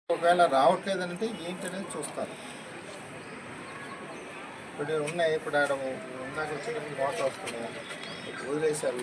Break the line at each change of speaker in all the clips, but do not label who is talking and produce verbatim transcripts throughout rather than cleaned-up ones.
ఒకవేళ రావట్లేదంటే ఏంటనేది చూస్తారు. ఇప్పుడు ఉన్నాయి, ఇప్పుడు ఆడ ఉన్నాక వచ్చేటప్పుడు వాటర్ వస్తున్నాయి, వదిలేశారు.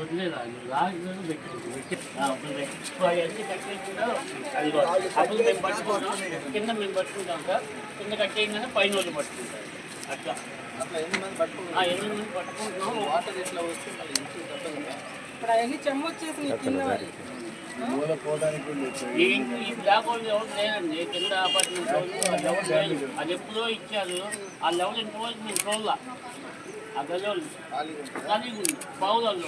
కింద మేము పట్టుకుంటాం సార్, కింద కట్టేయగానే పైన వాళ్ళు పట్టుకుంటారు. అట్లా
అట్లా ఎన్ని మంది పట్టుకుంటున్నాం,
ఎన్ని మంది పట్టుకుంటున్నాం.
వాటర్ ఇట్లా వస్తే మళ్ళీ ఇంటికి తప్పదు కదా.
ఇప్పుడు అవన్నీ చెమ్మ వచ్చేసి
మూల పోవడానికి
ఈ బ్లాక్ వాళ్ళు ఎవరు లేదండి, కింద అపార్ట్మెంట్ లెవెల్ లేదు. అది ఎప్పుడో ఇచ్చారు. ఆ లెవెల్ ఇంతవరకు మేము చూడాల. ఆ గజోళ్ళు ఖాళీగా ఉంది. బావులలో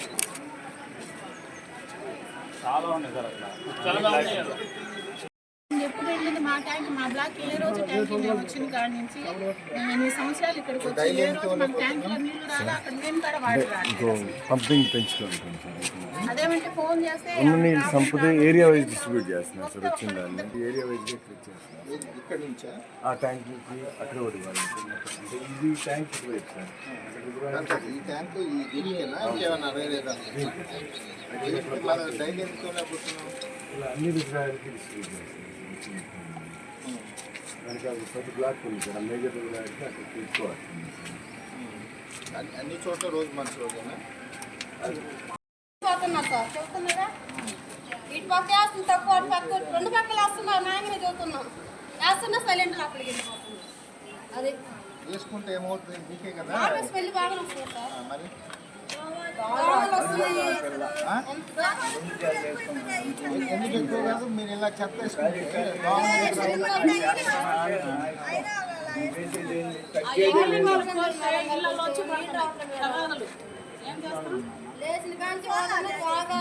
చాలా ఉన్నాయి సార్, అట్లా చాలా ఉన్నాయి.
ఎప్పుడు వెళ్ళింది మా ట్యాంక్, మా బ్లాక్ ఏ రోజు ట్యాంక్ మేము వచ్చిన కాడ నుంచి మేము ఎన్ని సంవత్సరాలు ఇక్కడికి వచ్చి ఏ రోజు మన ట్యాంక్లో నీళ్లు రాలా, అక్కడ నేను కూడా వాటర్
పంపింగ్ పెంచుకోవాలి.
అదేమంటే ఫోన్ చేస్తే
సంపద ఏరియా వైజ్ డిస్ట్రిబ్యూట్ చేస్తున్నారు సార్. వచ్చిందాన్ని ఏరియా వైజ్ చేస్తున్నారు.
ఇక్కడ నుంచా
ఆ ట్యాంక్ నుంచి అక్కడ ఒకటి అంటే ఇది ట్యాంక్ వైపు సార్.
ఈ ట్యాంకు ఈ దీనికేనా ఇంకేమన్నా వేరే డైలీ ఎందుకు
ఇలా అన్ని విగ్రహాలకి డిస్ట్రిబ్యూట్ చేస్తారు. దానికి అది ప్రతి బ్లాక్ ఉంది సార్. మేజర్ విగ్రహాలకి అక్కడ తీసుకోవాలి.
అన్ని చోట్ల రోజు మంచి రోజేనా
పోతున్నారు సార్, చెప్తున్నారా? ఇటు పక్క వేస్తుంది తక్కువ, అటు పక్క రెండు పక్కలు వేస్తున్నారు. నాయనే చదువుతున్నాం, వేస్తున్నా సైలెంట్ అక్కడికి వెళ్ళిపోతున్నాం. అది
వేసుకుంటే ఏమవుతుంది మీకే కదా.
నార్మల్ స్మెల్ బాగా వస్తుంది సార్.
మరి ఎందుకు ఎక్కువ కాదు, మీరు ఇలా చెత్త వేసుకుంటే
లేచిన కానీ బాగా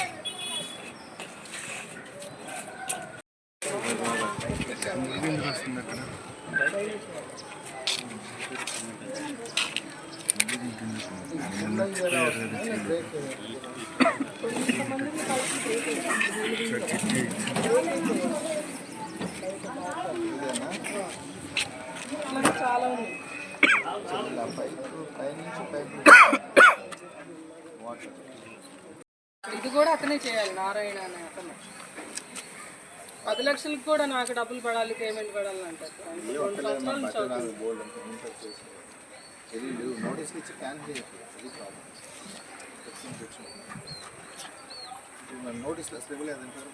చాలా ఉంది. ఇది కూడా అతనే చేయాలి, నారాయణ అనే అతను. పది లక్షలకు కూడా నాకు డబ్బులు పడాలి, పేమెంట్ పడాలి అంటారు. రెండు సంవత్సరాల నుంచి
నోటీస్లు ఇచ్చి క్యాన్సిల్ చేయట్లేదు. నోటీసులు అసలు ఇవ్వలేదంటారు.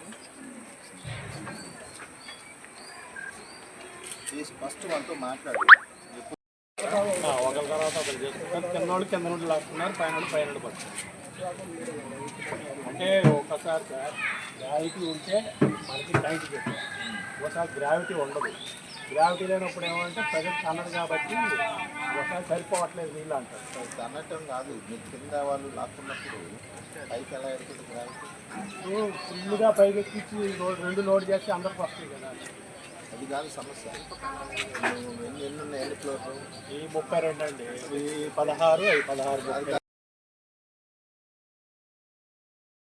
ఫస్ట్ వాళ్ళతో మాట్లాడు.
ఒకరి తర్వాత ఒకరు చేసుకుంటారు. కింద వాళ్ళు కింద నుండి లాక్కున్నారు, పైన వాళ్ళు పైన నుండి పడుతున్నారు. అంటే ఒకసారి గ్రావిటీ ఉంటే మనకి ట్యాంక్ పెట్టారు, ఒకసారి గ్రావిటీ ఉండదు. గ్రావిటీ లేనప్పుడు ఏమంటే ప్రజెంట్ అన్నది కాబట్టి ఒకసారి సరిపోవట్లేదు నీళ్ళు అంటారు.
అన్నట్టం కాదు, మీరు కింద వాళ్ళు లాక్కున్నప్పుడు పైకి ఎలా ఎడుతుంది గ్రావిటీ?
ఫుల్గా పైకి ఎక్కించి రెండు లోడ్ చేస్తే అందరికి వస్తాయి కదా.
అది కాదు సమస్య. ఎన్ని ఎన్ని ఉన్నాయి, ఎన్ని ఫ్లోర్లు?
ఈ ముప్పై రెండు అండి, ఈ పదహారు అవి పదహారు